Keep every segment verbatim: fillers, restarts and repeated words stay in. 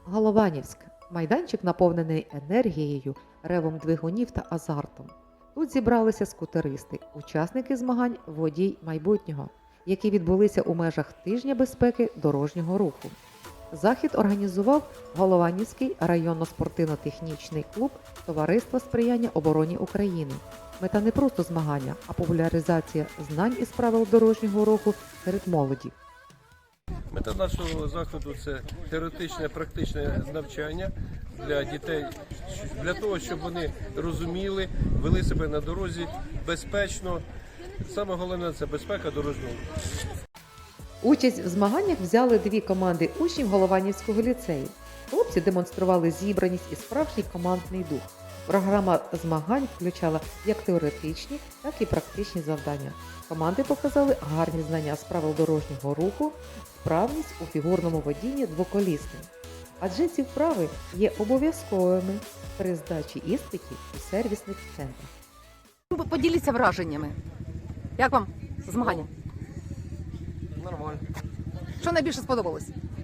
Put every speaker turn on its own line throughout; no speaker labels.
Голованівськ. Майданчик наповнений енергією, ревом двигунів та азартом. Тут зібралися скутеристи, учасники змагань «Водій майбутнього», які відбулися у межах тижня безпеки дорожнього руху. Захід організував Голованівський районно-спортивно-технічний клуб Товариства сприяння обороні України. Мета не просто змагання, а популяризація знань із правил дорожнього руху серед молоді.
Мета нашого заходу – це теоретичне, практичне навчання для дітей, для того, щоб вони розуміли, вели себе на дорозі безпечно. Саме головне – це безпека дорожнього руху.
Участь в змаганнях взяли дві команди учнів Голованівського ліцею. Хлопці демонстрували зібраність і справжній командний дух. Програма змагань включала як теоретичні, так і практичні завдання. Команди показали гарні знання з правил дорожнього руху, вправність у фігурному водінні двоколісним. Адже ці вправи є обов'язковими при здачі іспитів у сервісних центрах.
Поділіться враженнями. Як вам змагання?
Нормально.
Що найбільше сподобалось?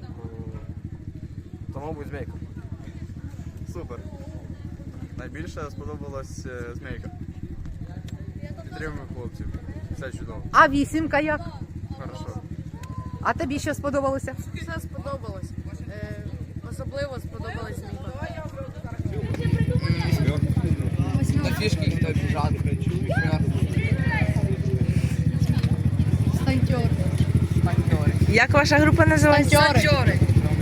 То, мабуть, змійка. Супер. Найбільше сподобалась е, змійка. Підтримуємо хлопців. Все чудово.
А вісімка як?
Хорошо.
А тобі що сподобалося?
Все сподобалось. Е, особливо сподобалось змійка.
На фішки ніхто біжати.
Станьтьори.
Як ваша група називається?
Станьтьори.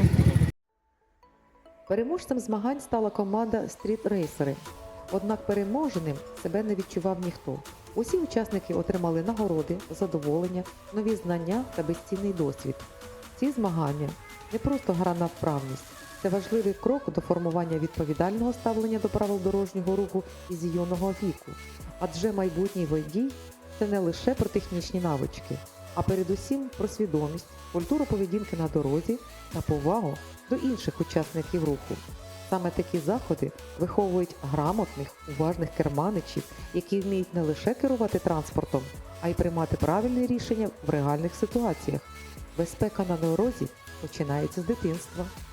Переможцем змагань стала команда «Стріт-рейсери». Однак переможеним себе не відчував ніхто. Усі учасники отримали нагороди, задоволення, нові знання та безцінний досвід. Ці змагання – не просто гра на вправність. Це важливий крок до формування відповідального ставлення до правил дорожнього руху із юного віку. Адже майбутній водій – це не лише про технічні навички, а передусім про свідомість, культуру поведінки на дорозі та повагу до інших учасників руху. Саме такі заходи виховують грамотних, уважних керманичів, які вміють не лише керувати транспортом, а й приймати правильні рішення в реальних ситуаціях. Безпека на дорозі починається з дитинства.